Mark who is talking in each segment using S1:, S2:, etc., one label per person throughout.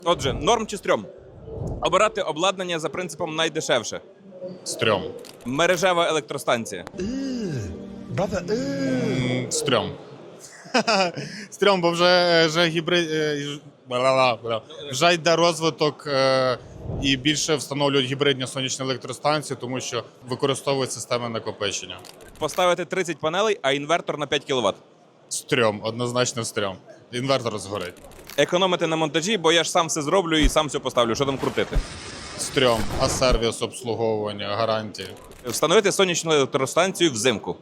S1: Отже, норм чи стрьом? Обирати обладнання за принципом найдешевше.
S2: Стрьом.
S1: Мережева електростанція.
S2: Стрьом. Стрьом, бо вже гібрид... Вже йде розвиток і більше встановлюють гібридні сонячні електростанції, тому що використовують системи накопичення.
S1: Поставити 30 панелей, а інвертор на 5 кВт.
S2: Стрьом, однозначно стрьом. Інвертор згорить.
S1: Економити на монтажі, бо я ж сам все зроблю і сам все поставлю. Що там крутити?
S2: Стрьом, а сервіс, обслуговування, гарантії.
S1: Встановити сонячну електростанцію взимку.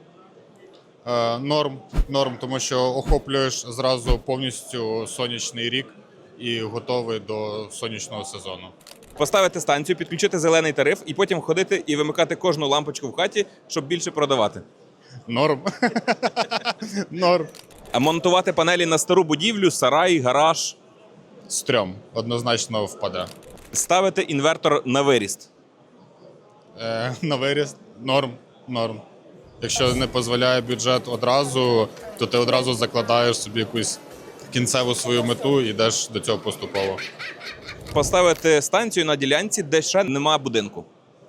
S2: Норм, тому що охоплюєш зразу повністю сонячний рік і готовий до сонячного сезону.
S1: Поставити станцію, підключити зелений тариф і потім ходити і вимикати кожну лампочку в хаті, щоб більше продавати.
S2: Норм. Норм.
S1: А монтувати панелі на стару будівлю, сарай, гараж.
S2: Стрьом, однозначно впаде.
S1: Ставити інвертор на виріст.
S2: На виріст норм. Якщо не дозволяє бюджет одразу, то ти одразу закладаєш собі якусь кінцеву свою мету і йдеш до цього поступово.
S1: Поставити станцію на ділянці, де ще нема будинку.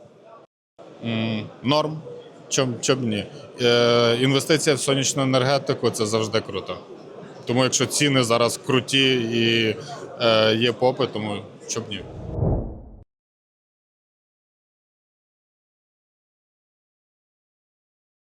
S2: Норм. Чом ні? Інвестиція в сонячну енергетику – це завжди круто. Тому якщо ціни зараз круті і є попит, тому чом ні?